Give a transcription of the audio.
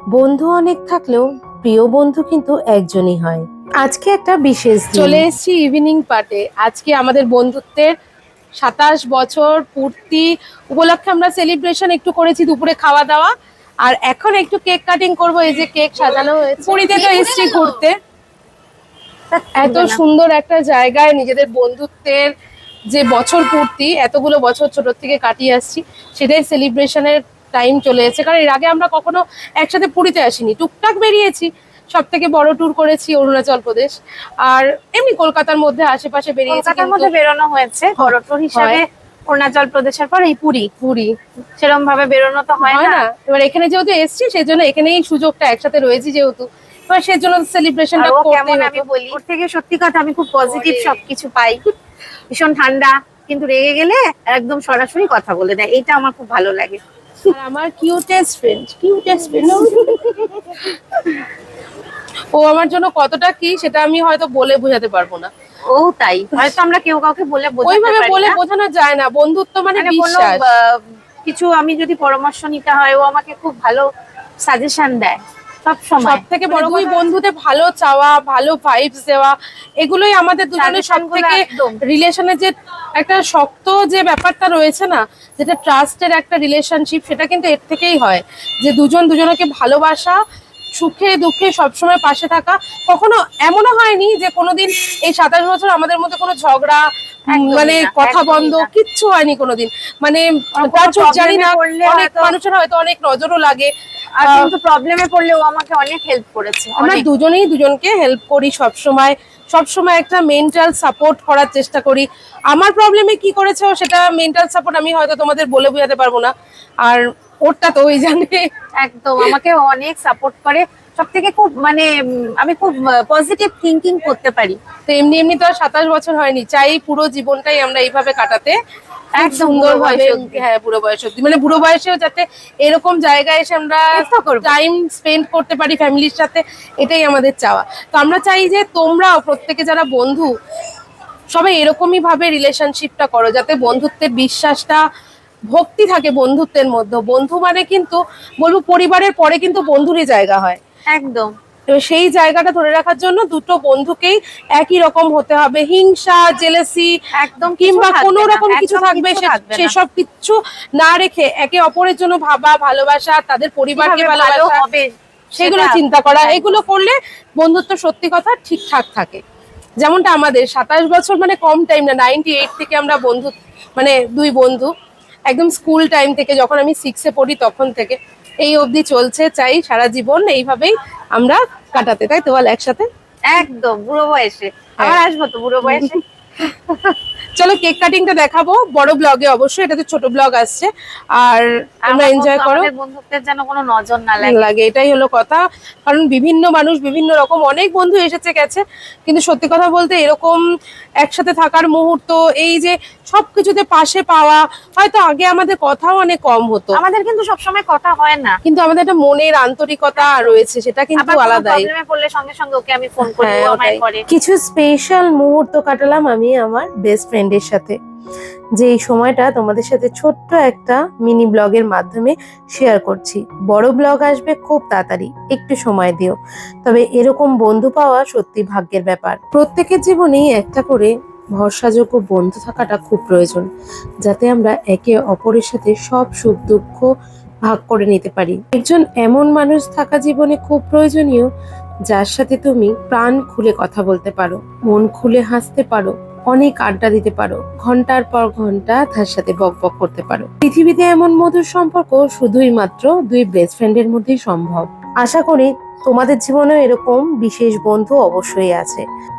বন্ধু অনেক থাকলেও প্রিয় বন্ধু কিন্তু একজনই হয়। আজকে একটা বিশেষ দিন। চলে এসেছি ইভিনিং পার্টে। আজকে আমাদের বন্ধুত্বের 27 বছর পূর্তি উপলক্ষে আমরা সেলিব্রেশন একটু করেছি, দুপুরে খাওয়া দাওয়া, আর এখন একটু কেক কাটিং করব। এই যে কেক সাজানো হয়েছে। পুরীতে তো এসেছি ঘুরতে, এত সুন্দর একটা জায়গায় নিজেদের বন্ধুত্বের যে বছর পূর্তি, এতগুলো বছর ছোট থেকে কাটিয়ে আসছি, সেটাই সেলিব্রেশনের টাইম চলে এসেছে। কারণ এর আগে আমরা কখনো একসাথে পুরীতে আসিনি, টুকটাক বেরিয়েছি। সব থেকে বড় ট্যুর করেছি অরুণাচল প্রদেশ, আর এমনি কলকাতার মধ্যে আশেপাশে বেরিয়েছি। কলকাতার মধ্যে বেরোনো হয়েছে বড় ট্যুর হিসাবে। অরুণাচল প্রদেশের পর এই পুরী পুরী সেরকম ভাবে বেরোনো তো হয় না। এবার এখানে যেহেতু এসছি, সেই জন্য এখানেই সুযোগটা, একসাথে রয়েছি যেহেতু, এবার সেই জন্য সেলিব্রেশনটা করতেই আমি হতো। বলি, ওর থেকে সত্যি কথা আমি খুব পজিটিভ সবকিছু পাই। ভীষণ ঠান্ডা, কিন্তু রেগে গেলে একদম সরাসরি কথা বলে দেয়, এটা আমার খুব ভালো লাগে। আর আমার কিউটেস্ট ফ্রেন্ড ও আমার জন্য কতটা কি সেটা আমি হয়তো বলে বোঝাতে পারবো না। ও তাই, হয়তো আমরা কেউ কাউকে বলে ওইভাবে বলে বোঝানো যায় না। বন্ধুত্ব মানে বিশ্বাস। কিছু আমি যদি পরামর্শ নিতে হয়, ও আমাকে খুব ভালো সাজেশন দেয় সব সময়। সব থেকে বড় দুই বন্ধুতে ভালো চাওয়া, ভালো ভাইবস দেওয়া, এগুলোই আমাদের দুজনের সব থেকে রিলেশনের যে একটা শক্ত যে ব্যাপারটা রয়েছে না, যেটা ট্রাস্টের একটা রিলেশনশিপ, সেটা কিন্তু এর থেকেই হয়। যে দুজন দুজনকে ভালোবাসা, সুখে দুঃখে সবসময় পাশে থাকা। কখনো এমনও হয়নি যে কোনোদিন এই 27 বছর আমাদের মধ্যে কোনো ঝগড়া, মানে কথা বন্ধ, কিচ্ছু হয়নি কোনোদিন। মানে জানি না, অনেক মানুষের হয়তো অনেক নজরও লাগে, আর কিন্তু প্রবলেমে পড়লে ও আমাকে অনেক হেল্প করেছে। আমরা দুজনেই দুজনকে হেল্প করি সবসময় একটা মেন্টাল সাপোর্ট করার চেষ্টা করি। আমার প্রবলেমে কি করেছে ও, সেটা মেন্টাল সাপোর্ট আমি হয়তো তোমাদের বলে বোঝাতে পারবো না, আর ওরটা তো ওই জানে। একদম আমাকে অনেক সাপোর্ট করে। সব থেকে খুব মানে আমি খুব পজিটিভ থিঙ্কিং করতে পারি। তো এমনি তো আর 27 বছর হয়নি, চাই পুরো জীবনটাই আমরা এইভাবে কাটাতে, এক সুন্দর ভাবে। হ্যাঁ, বুড়ো বয়স অব্দি, মানে বুড়ো বয়সেও যাতে এরকম জায়গায় এসে আমরা টাইম স্পেন্ড করতে পারি ফ্যামিলির সাথে, এটাই আমাদের চাওয়া। তো আমরা চাই যে তোমরাও প্রত্যেকে যারা বন্ধু, সবাই এরকমই ভাবে রিলেশনশিপটা করো, যাতে বন্ধুত্বের বিশ্বাসটা, ভক্তি থাকে বন্ধুত্বের মধ্যে। বন্ধু মানে কিন্তু বলবো পরিবারের পরে কিন্তু বন্ধুরই জায়গা হয়। একদম। তো সেই জায়গাটা ধরে রাখার জন্য দুটো বন্ধুকেই একই রকম হতে হবে। হিংসা, জেলেসি একদম কিংবা কোনো রকম কিছু থাকবে, সেসব কিচ্ছু না রেখে একে অপরের জন্য ভাবা, ভালোবাসা, তাদের পরিবারকে ভালোবাসা, সেগুলো চিন্তা করা, এগুলো করলে বন্ধুত্ব সত্যি কথা ঠিকঠাক থাকে। যেমনটা আমাদের 27 বছর মানে কম টাইম না, 98 থেকে আমরা বন্ধু, মানে দুই বন্ধু একদম স্কুল টাইম থেকে, যখন আমি 6-এ পড়ি তখন থেকে এই অবধি চলছে। চাই সারা জীবন এইভাবেই আমরা কাটাতে, তাই তো বল, একসাথে। একদম বুড়ো বয়সে আবার আসবো তো, বুড়ো বয়সে। চলো কেক কাটিংটা দেখাবো বড় ব্লগে, অবশ্যই এটাতে ছোট ব্লগ আসছে, আর আমরা এনজয় করো। বন্ধুত্বের যেন কোনো নজর না লাগে, এটাই হলো কথা। কারণ বিভিন্ন মানুষ বিভিন্ন রকম, অনেক বন্ধু এসেছে গেছে, কিন্তু সত্যি কথা বলতে এরকম একসাথে থাকার মুহূর্ত, এই যে সবকিছুতে পাশে পাওয়া, হয়তো আগে আমাদের কথাও অনেক কম হতো, আমাদের কিন্তু সবসময় কথা হয় না, কিন্তু আমাদের একটা মনের আন্তরিকতা রয়েছে, সেটা কিন্তু আলাদাই। পড়লে সঙ্গে সঙ্গে ওকে আমি ফোন করি, ও আমায় করে। কিছু স্পেশাল মুহূর্ত কাটালাম আমি আমার বেস্ট ফ্রেন্ডের সাথে, যে এই সময়টা তোমাদের সাথে ছোট্ট একটা মিনি ব্লগের মাধ্যমে শেয়ার করছি। বড় ব্লগ আসবে খুব তাড়াতাড়ি, একটু সময় দিও। তবে এরকম বন্ধু পাওয়া সত্যি ভাগ্যের ব্যাপার। প্রত্যেকের জীবনেই একটা করে ভরসাযোগ্য বন্ধু থাকাটা খুব প্রয়োজন, যাতে আমরা একে অপরের সাথে সব সুখ দুঃখ ভাগ করে নিতে পারি। একজন এমন মানুষ থাকা জীবনে খুব প্রয়োজনীয়, যার সাথে তুমি প্রাণ খুলে কথা বলতে পারো, মন খুলে হাসতে পারো, অনেক আড্ডা দিতে পারো, ঘন্টার পর ঘন্টা তার সাথে বকবক করতে পারো। পৃথিবীতে এমন মধুর সম্পর্ক শুধুই মাত্র দুই বেস্ট ফ্রেন্ডের মধ্যেই সম্ভব। আশা করি তোমাদের জীবনেও এরকম বিশেষ বন্ধু অবশ্যই আছে।